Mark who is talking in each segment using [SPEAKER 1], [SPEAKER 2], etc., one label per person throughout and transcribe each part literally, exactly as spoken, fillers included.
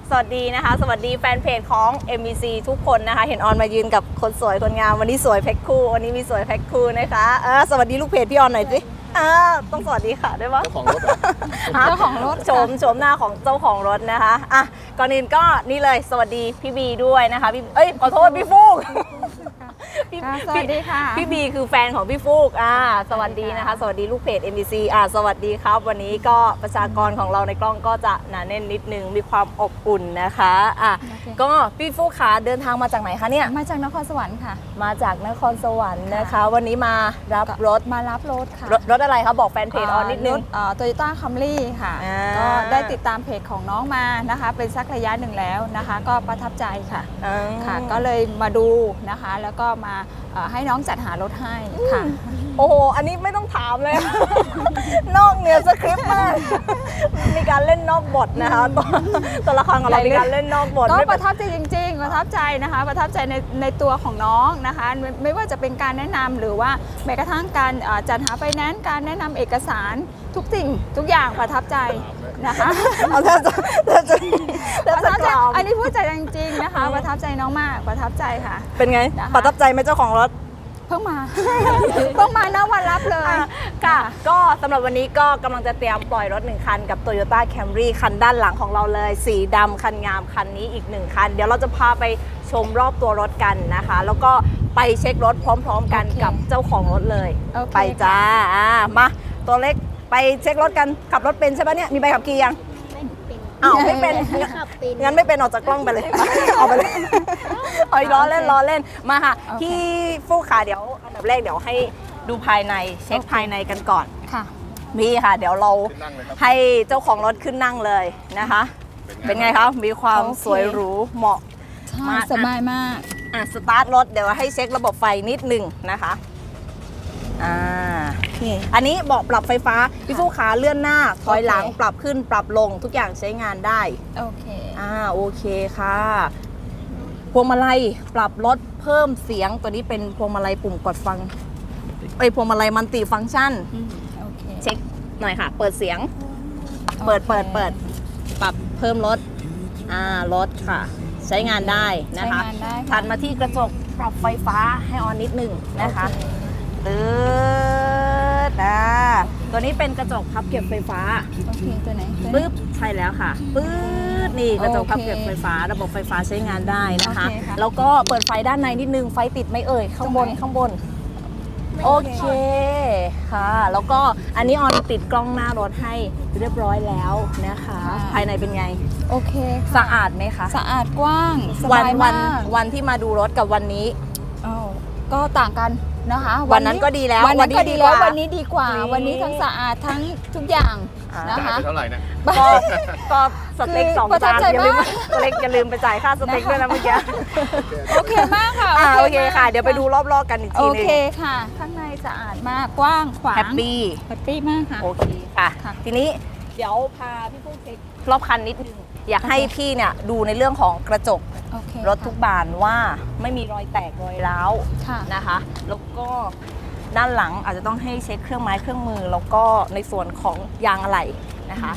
[SPEAKER 1] สวัสดีนะคะสวัสดีแฟนเพจของ เอ็ม บี ซี ทุกคนนะคะเห็นออนมายืนกับคนสวยคนงามวันนี้สวยแพ็คคู่วันนี้มีสวยแพ็คคู่นะคะเออสวัสดีลูกเพจพี่ออนหน่อยสิอ่าต้องสวัสดีค่ะได้ปะ
[SPEAKER 2] เจ้าของรถเหรอ
[SPEAKER 1] เจ้าของรถโฉมโฉมหน้าของเจ้าของรถนะคะอ่ะก่อนอื่นก็นี่เลยสวัสดีพี่บีด้วยนะคะพี่เอ้ยขอโทษพี่ฟูกพี่
[SPEAKER 3] สวัสดีค่ะ
[SPEAKER 1] พี่บีคือแฟนของพี่ฟูกอ่าสวัสดีนะคะสวัสดีลูกเพจ เอ็ม บี ซี อ่าสวัสดีครับวันนี้ก็ประชากรของเราในกล้องก็จะหนาแน่นนิดนึงมีความอบอุ่นนะคะอ่ะ
[SPEAKER 3] โอเค
[SPEAKER 1] ก็พี่ฟูกขาเดินทางมาจากไหนคะเนี่ย
[SPEAKER 3] มาจากนครสวรรค์ค่ะ
[SPEAKER 1] มาจากนครสวรรค์นะคะ วันนี้มารับรถ
[SPEAKER 3] มารับรถค่ะ
[SPEAKER 1] รถรถอะไรคะบอกแฟนเพจออนนิดนึง
[SPEAKER 3] โตโยต้าคัมรี่ค่ะ
[SPEAKER 1] อ่า
[SPEAKER 3] ก็ได้ติดตามเพจของน้องมานะคะ เป็นสักระยะหนึ่งแล้วนะคะ ก็ประทับใจค่ะ
[SPEAKER 1] อืม
[SPEAKER 3] ค่ะ ก็เลยมาดูนะคะ แล้วก็มาเอ่อให้น้องจัดหารถให้ค่ะ
[SPEAKER 1] โอ้โห อันนี้ไม่ต้องถามเลย นอกเหนือสคริปต์มาก มีการเล่นนอกบทนะคะตัวตัวละครของเรามีการเล่นนอกบท
[SPEAKER 3] ก็
[SPEAKER 1] ไม่
[SPEAKER 3] ป
[SPEAKER 1] เป็น
[SPEAKER 3] ระทับใจจริงๆ ประทับใจนะคะ ประทับใจในในตัวของน้องนะคะไม่ไม่ว่าจะเป็นการแนะนำหรือว่าแม้กระทั่งการเอ่อจัดหาไฟแนนซ์การแนะนำเอกสารทุกสิ่งทุกอย่างประทับใจนะคะ
[SPEAKER 1] เอาถ้าจะถ้าจะ
[SPEAKER 3] ป
[SPEAKER 1] ถ้า
[SPEAKER 3] ระ
[SPEAKER 1] จะ
[SPEAKER 3] ทับ
[SPEAKER 1] ก
[SPEAKER 3] ใจ
[SPEAKER 1] ล่าว
[SPEAKER 3] อันนี้พูดใจจริงๆนะคะ ประทับใจน้องมากประทับใจค่ะ
[SPEAKER 1] เป็นไง
[SPEAKER 3] นะคะ
[SPEAKER 1] ประทับใจไหมเจ้าของรถ
[SPEAKER 3] เพิ่งมา เพิ่งมาหน้าวันรับเลย
[SPEAKER 1] อ่ะค่ะก็สำหรับวันนี้ก็กำลังจะเตรียมปล่อยรถหนึ่งคันกับ Toyota Camry คันด้านหลังของเราเลย สีดำคันงามคันนี้อีกหนึ่งคัน เดี๋ยวเราจะพาไปชมรอบตัวรถกันนะคะ แล้วก็ไปเช็ครถพร้อมๆกัน
[SPEAKER 3] โอเค
[SPEAKER 1] กับเจ้าของรถเลย
[SPEAKER 3] โอเค
[SPEAKER 1] ไปจ้าอ่ะมาตัวเล็กไปเช็ครถกันขับรถเป็นใช่ปะเนี่ยมีใบขับขี่ยัง
[SPEAKER 4] ไม่เป็น
[SPEAKER 1] อ้าวไม่เป็น
[SPEAKER 4] ขับเป็น
[SPEAKER 1] งั้นไม่เป็นออกจากกล้องไปเลย ออกไปเลยเอาล้อเล่นล้อเล่นมาค่ะ
[SPEAKER 3] โอเค
[SPEAKER 1] พี่ฟูขาเดี๋ยวอันดับแรกเดี๋ยวให้ดูภายในเช็คภายในกันก่อน
[SPEAKER 3] ค่ะ
[SPEAKER 1] นี่ค่ะ เดี๋ยวเรา
[SPEAKER 2] ขึ้นนั่งเลยครับ
[SPEAKER 1] ให้เจ้าของรถขึ้นนั่งเลยนะคะ เป็นไงคะมีความ
[SPEAKER 3] โอเค
[SPEAKER 1] สวยหรูเหมาะ
[SPEAKER 3] ใช่
[SPEAKER 1] มาก
[SPEAKER 3] สบายมาก
[SPEAKER 1] อ่ะสตาร์ทรถเดี๋ยวให้เช็คระบบไฟนิดหนึ่งนะคะอ่านี่อันนี้เบาะปรับไฟฟ้าพี่ฟูขาเลื่อนหน้าถอยหลัง
[SPEAKER 3] โอเค
[SPEAKER 1] ปรับขึ้นปรับลงทุกอย่างใช้งานได้
[SPEAKER 3] โอเค
[SPEAKER 1] อ่าโอเคค่ะพวงมาลัยปรับลดเพิ่มเสียงตัวนี้เป็นพวงมาลัยปุ่มกดฟังไอยพวงมาลัยมัลติฟังก์ชัน
[SPEAKER 3] อืมโอเค
[SPEAKER 1] เช็คหน่อยค่ะ เปิดเสียง เปิดเปิดเปิดปรับเพิ่มลดอ่าลดค่ะ ใช้งานได้นะคะ
[SPEAKER 3] ใช้งานได้ค่ะ
[SPEAKER 1] ถัดมาที่กระจกปรับไฟฟ้าให้ออนนิดหนึ่งนะคะ
[SPEAKER 3] โอเค
[SPEAKER 1] ตืดอ่าตัวนี้เป็นกระจกพับเก็บไฟฟ้า
[SPEAKER 3] โอเคตัวไหนตัวไหน
[SPEAKER 1] ปึ๊บใช่แล้วค่ะปึ๊ดนี่กระจก
[SPEAKER 3] โอเค
[SPEAKER 1] พับเก็บไฟฟ้า ระบบไฟฟ้าใช้งานได้นะคะ
[SPEAKER 3] โอเคค่ะ
[SPEAKER 1] แล้วก็เปิดไฟด้านในนิดนึงไฟติดไหม่เอ่ยข้างบน
[SPEAKER 3] ตรงไหน
[SPEAKER 1] ข้างบน โอเคค่ะ แล้วก็อันนี้ออนติดกล้องหน้ารถให้เรียบร้อยแล้วนะคะ ภายในเป็นไง
[SPEAKER 3] โอเคค่ะ
[SPEAKER 1] สะอาดไหมคะ
[SPEAKER 3] สะอาดกว้างส
[SPEAKER 1] วัน
[SPEAKER 3] บาย
[SPEAKER 1] วั
[SPEAKER 3] มาน ก
[SPEAKER 1] วันที่มาดูรถกับวันนี้
[SPEAKER 3] อ้าวก็ต่างกันนะคะ
[SPEAKER 1] วันนั้นก็ดีแล้ว
[SPEAKER 3] วันนั้นก็
[SPEAKER 1] วันนี้
[SPEAKER 3] ดี
[SPEAKER 1] ดี
[SPEAKER 3] แล้ว
[SPEAKER 1] กว่า
[SPEAKER 3] วันนี้ดีกว่า
[SPEAKER 1] นี่
[SPEAKER 3] วันนี้ทั้งสะอาดทั้งทุกอย่าง
[SPEAKER 1] อ่าน
[SPEAKER 3] นะ
[SPEAKER 2] จ่าย
[SPEAKER 3] คะ
[SPEAKER 2] ไปเท่าไหร่เนี่ย
[SPEAKER 1] ก็ก็สเต็ก
[SPEAKER 3] คือ
[SPEAKER 1] สอง
[SPEAKER 3] ประทับ
[SPEAKER 1] จาน
[SPEAKER 3] ใจ
[SPEAKER 1] อย่าลืม
[SPEAKER 3] มาก
[SPEAKER 1] ตัวเล็กอย่าลืมไปจ่ายค่าสเต็กด้วยนะเมื่อกี้
[SPEAKER 3] โอเคมากค่ะ
[SPEAKER 1] อ่าโอเค
[SPEAKER 3] มาก
[SPEAKER 1] ค่ะ เดี๋ยวไปดูรอบๆกันอีก
[SPEAKER 3] โอ
[SPEAKER 1] ทีหนึ
[SPEAKER 3] เค
[SPEAKER 1] ง
[SPEAKER 3] ค่ะ ข้างในสะอาดมากกว้างขวาง
[SPEAKER 1] แฮปปี้
[SPEAKER 3] แฮปปี้มากค่ะ
[SPEAKER 1] โอเคค่ะ
[SPEAKER 3] ค่ะ
[SPEAKER 1] ทีนี้เดี๋ยวพาพี่ผู้เช็ครอบคันนิดนึง อยากให้พี่เนี่ยดูในเรื่องของกระจก
[SPEAKER 3] โอเค
[SPEAKER 1] รถทุกบานว่าไม่มีรอยแตกรอยร้าว
[SPEAKER 3] ค่ะ
[SPEAKER 1] นะคะ แล้วก็ด้านหลังอาจจะต้องให้เช็คเครื่องไม้เครื่องมือ แล้วก็ในส่วนของยางอะไหล่นะคะ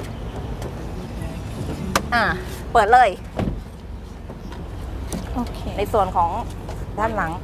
[SPEAKER 1] อ่าเปิดเลย
[SPEAKER 3] โอเค
[SPEAKER 1] ในส่วนของด้านหลัง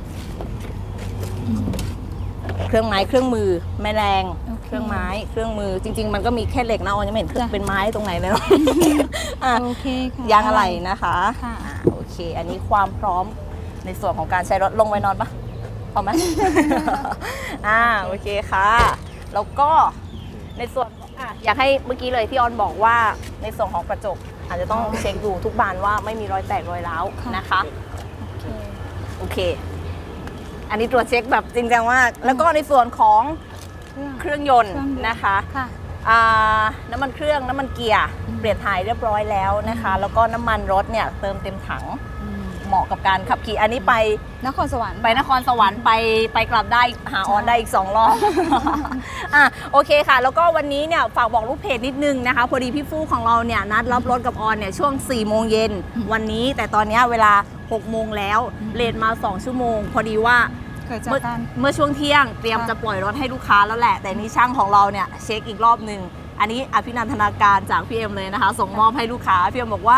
[SPEAKER 1] เครื่องไม้เครื่องมือแม่แรง
[SPEAKER 3] โอเค
[SPEAKER 1] เครื่องไม้เครื่องมือจริง ๆ มันก็มีแค่เหล็กนะออนยังไม่เห็นเครื่อง
[SPEAKER 3] จ้ะ
[SPEAKER 1] เป็นไม้ตรงไหนเลยเนาะ อ่ะ
[SPEAKER 3] โอเคค่ะ
[SPEAKER 1] ยางอะไหล่นะคะ
[SPEAKER 3] ค่ะ
[SPEAKER 1] อ่าโอเค อันนี้ความพร้อมในส่วนของการใช้รถลงไว้นอนปะพอไหม อ่าโอเคค่ะ แล้วก็ในส่วนอ่ะอยากให้เมื่อกี้เลยที่ออนบอกว่าในส่วนของกระจก อาจจะต้องเช็คดูทุกบานว่าไม่มีรอยแตกรอยร้าว
[SPEAKER 3] ค่ะ
[SPEAKER 1] นะคะ
[SPEAKER 3] โอเค
[SPEAKER 1] โอเค อันนี้ตรวจเช็คแบบจริงจังมาก แล้วก็ในส่วนของ
[SPEAKER 3] เครื่อง
[SPEAKER 1] เครื่องยนต์
[SPEAKER 3] เครื่องยนต์
[SPEAKER 1] นะคะ
[SPEAKER 3] ค่ะ
[SPEAKER 1] อ่าน้ำมันเครื่องน้ำมันเกียร์
[SPEAKER 3] อืม
[SPEAKER 1] เปลี่ยนถ่ายเรียบร้อยแล้วนะคะ แล้วก็น้ำมันรถเนี่ยเติมเต็มถัง
[SPEAKER 3] อืม
[SPEAKER 1] เหมาะกับการขับขี่อันนี้ไป
[SPEAKER 3] นครสวรรค์
[SPEAKER 1] ไปนครสวรรค์ไปไปกลับได้หาออนได้อีกสองรอบ อ่ะโอเคค่ะ แล้วก็วันนี้เนี่ยฝากบอกลูกเพจนิดนึงนะคะ พอดีพี่ฟู่ของเราเนี่ยนัดรับรถกับออนเนี่ยช่วงสี่โมงเย็นวันนี้แต่ตอนเนี้ยเวลาหกโมงแล้วเลทมาสองชั่วโมง พอดีว่า
[SPEAKER 3] เกิดจาก
[SPEAKER 1] เมื่อ
[SPEAKER 3] การ
[SPEAKER 1] เมื่อช่วงเที่ยงเตรียม
[SPEAKER 3] ค่ะ
[SPEAKER 1] จะปล่อยรถให้ลูกค้าแล้วแหละ แต่นี่ช่างของเราเนี่ยเช็คอีกรอบหนึ่งอันนี้อภินันทนาการจากพี่เอ็มเลยนะคะ ส่งมอบให้ลูกค้าพี่เอ็มบอกว่า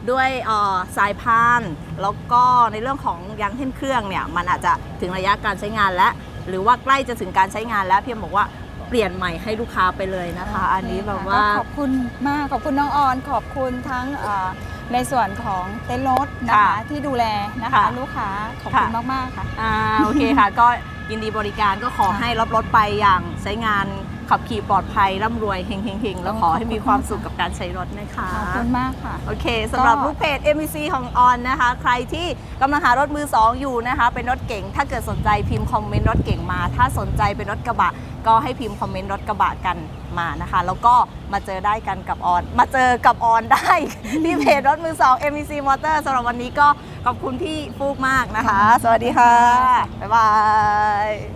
[SPEAKER 1] ด้วยเอ่อสายพานแล้วก็ในเรื่องของยางเท่นเครื่องเนี่ยมันอาจจะถึงระยะการใช้งานแล้ว หรือว่าใกล้จะถึงการใช้งานแล้วพี่เอ็มบอกว่าเปลี่ยนใหม่ให้ลูกค้าไปเลยนะคะ อันนี้แบบว่า
[SPEAKER 3] ขอบคุณมากขอบคุณน้องออนขอบคุณทั้งเอ่อในส่วนของเต็นท์รถนะคะ
[SPEAKER 1] ค่ะ
[SPEAKER 3] ที่ดูแลนะคะ
[SPEAKER 1] ค่ะ
[SPEAKER 3] ลูกค้าขอบคุณ
[SPEAKER 1] ค่ะ
[SPEAKER 3] มากๆค่ะ
[SPEAKER 1] อ่าโอเคค่ะ ก็ยินดีบริการก็ขอให้รับรถไปอย่างใช้งานขับขี่ปลอดภัยร่ำรวยเฮงๆๆแล้วขอให้มีความสุขกับการใช้รถนะคะ
[SPEAKER 3] ขอบคุณมากค่ะ
[SPEAKER 1] โอเคสำหรับ
[SPEAKER 3] ก็
[SPEAKER 1] ลูกเพจ เอ็ม วี ซี ของออนนะคะ ใครที่กำลังหารถมือสองอยู่นะคะ เป็นรถเก๋งถ้าเกิดสนใจพิมพ์คอมเมนต์รถเก๋งมา ถ้าสนใจเป็นรถกระบะ ก็ให้พิมพ์คอมเมนต์รถกระบะกันมานะคะ แล้วก็มาเจอได้กันกับออน มาเจอกับออนได้ ที่เพจรถมือสอง เอ็ม วี ซี Motor สำหรับวันนี้ก็ขอบคุณพี่ฟูกมากนะคะ สวัสดีค่ะ บ๊ายบาย